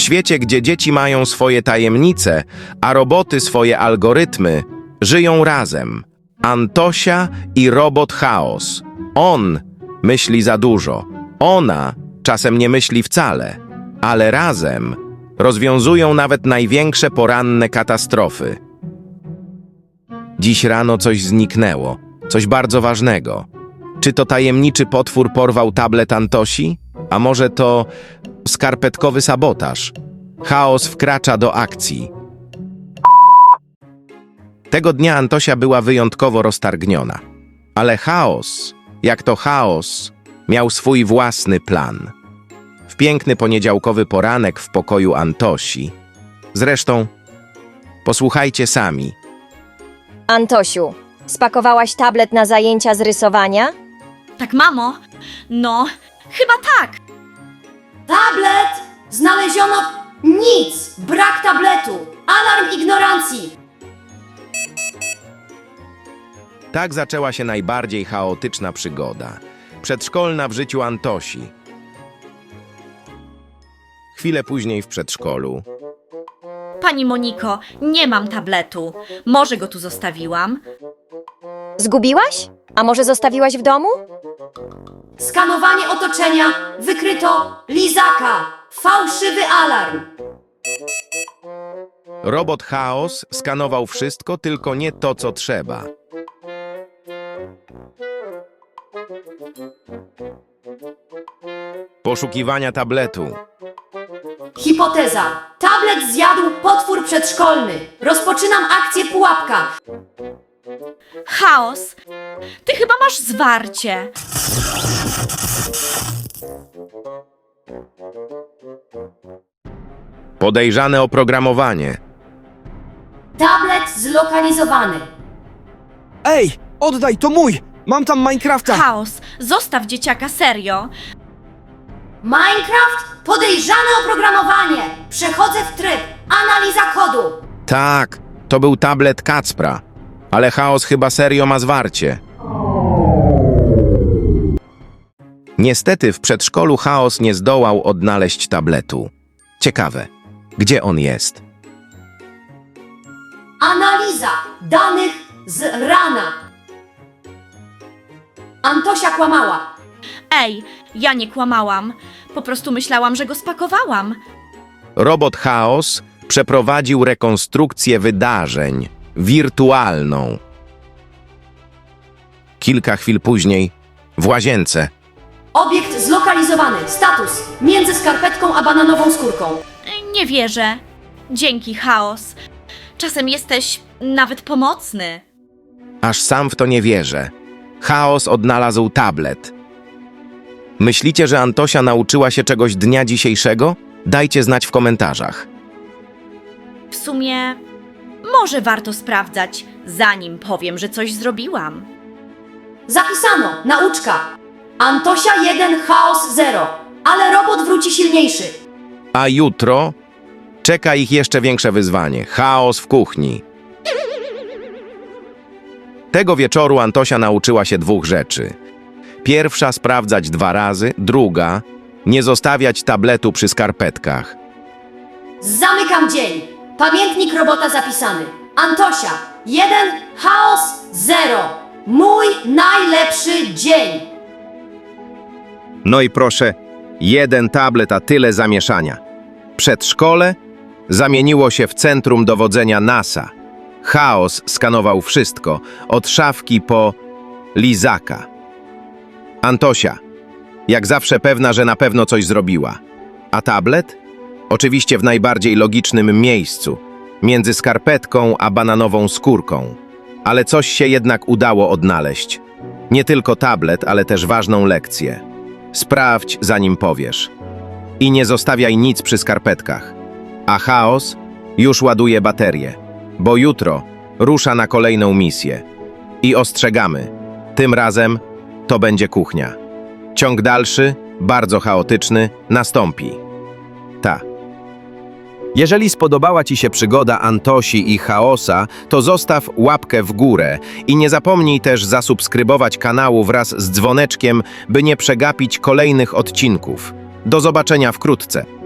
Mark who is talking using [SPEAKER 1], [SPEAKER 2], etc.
[SPEAKER 1] świecie, gdzie dzieci mają swoje tajemnice, a roboty swoje algorytmy, żyją razem. Antosia i robot Chaos. On myśli za dużo. Ona czasem nie myśli wcale, ale razem rozwiązują nawet największe poranne katastrofy. Dziś rano coś zniknęło, coś bardzo ważnego. Czy to tajemniczy potwór porwał tablet Antosi? A może to skarpetkowy sabotaż? Chaos wkracza do akcji. Tego dnia Antosia była wyjątkowo roztargniona. Ale Chaos, jak to Chaos, miał swój własny plan. W piękny poniedziałkowy poranek w pokoju Antosi. Zresztą, posłuchajcie sami.
[SPEAKER 2] Antosiu, spakowałaś tablet na zajęcia z rysowania?
[SPEAKER 3] Tak, mamo? No, chyba tak.
[SPEAKER 4] Tablet! Znaleziono nic! Brak tabletu! Alarm ignorancji!
[SPEAKER 1] Tak zaczęła się najbardziej chaotyczna przygoda. Przedszkolna w życiu Antosi. Chwilę później w przedszkolu.
[SPEAKER 3] Pani Moniko, nie mam tabletu. Może go tu zostawiłam?
[SPEAKER 2] Zgubiłaś? A może zostawiłaś w domu?
[SPEAKER 4] Skanowanie otoczenia! Wykryto lizaka! Fałszywy alarm!
[SPEAKER 1] Robot Chaos skanował wszystko, tylko nie to, co trzeba. Poszukiwania tabletu.
[SPEAKER 4] Hipoteza. Tablet zjadł potwór przedszkolny. Rozpoczynam akcję pułapka.
[SPEAKER 3] Chaos, ty chyba masz zwarcie.
[SPEAKER 1] Podejrzane oprogramowanie.
[SPEAKER 4] Tablet zlokalizowany.
[SPEAKER 5] Ej, oddaj, to mój! Mam tam Minecrafta!
[SPEAKER 3] Chaos, zostaw dzieciaka, serio.
[SPEAKER 4] Minecraft? Podejrzane oprogramowanie. Przechodzę w tryb. Analiza kodu.
[SPEAKER 1] Tak, to był tablet Kacpra. Ale Chaos chyba serio ma zwarcie. Niestety w przedszkolu Chaos nie zdołał odnaleźć tabletu. Ciekawe, gdzie on jest?
[SPEAKER 4] Analiza danych z rana. Antosia kłamała.
[SPEAKER 3] Ej, ja nie kłamałam. Po prostu myślałam, że go spakowałam.
[SPEAKER 1] Robot Chaos przeprowadził rekonstrukcję wydarzeń, wirtualną. Kilka chwil później w łazience.
[SPEAKER 4] Obiekt zlokalizowany. Status. Między skarpetką a bananową skórką.
[SPEAKER 3] Nie wierzę. Dzięki, Chaos. Czasem jesteś nawet pomocny.
[SPEAKER 1] Aż sam w to nie wierzę. Chaos odnalazł tablet. Myślicie, że Antosia nauczyła się czegoś dnia dzisiejszego? Dajcie znać w komentarzach.
[SPEAKER 3] W sumie, może warto sprawdzać, zanim powiem, że coś zrobiłam.
[SPEAKER 4] Zapisano. Nauczka. Antosia 1, Chaos 0. Ale robot wróci silniejszy.
[SPEAKER 1] A jutro czeka ich jeszcze większe wyzwanie. Chaos w kuchni. Tego wieczoru Antosia nauczyła się dwóch rzeczy. Pierwsza sprawdzać 2 razy, druga nie zostawiać tabletu przy skarpetkach.
[SPEAKER 4] Zamykam dzień. Pamiętnik robota zapisany. Antosia 1, Chaos 0. Mój najlepszy dzień.
[SPEAKER 1] No i proszę, 1 tablet, a tyle zamieszania. Przedszkole zamieniło się w centrum dowodzenia NASA. Chaos skanował wszystko, od szafki po lizaka. Antosia, jak zawsze pewna, że na pewno coś zrobiła. A tablet? Oczywiście w najbardziej logicznym miejscu, między skarpetką a bananową skórką. Ale coś się jednak udało odnaleźć. Nie tylko tablet, ale też ważną lekcję. Sprawdź, zanim powiesz. I nie zostawiaj nic przy skarpetkach. A Chaos już ładuje baterię, bo jutro rusza na kolejną misję. I ostrzegamy, tym razem to będzie kuchnia. Ciąg dalszy, bardzo chaotyczny, nastąpi. Jeżeli spodobała Ci się przygoda Antosi i Chaosa, to zostaw łapkę w górę i nie zapomnij też zasubskrybować kanału wraz z dzwoneczkiem, by nie przegapić kolejnych odcinków. Do zobaczenia wkrótce.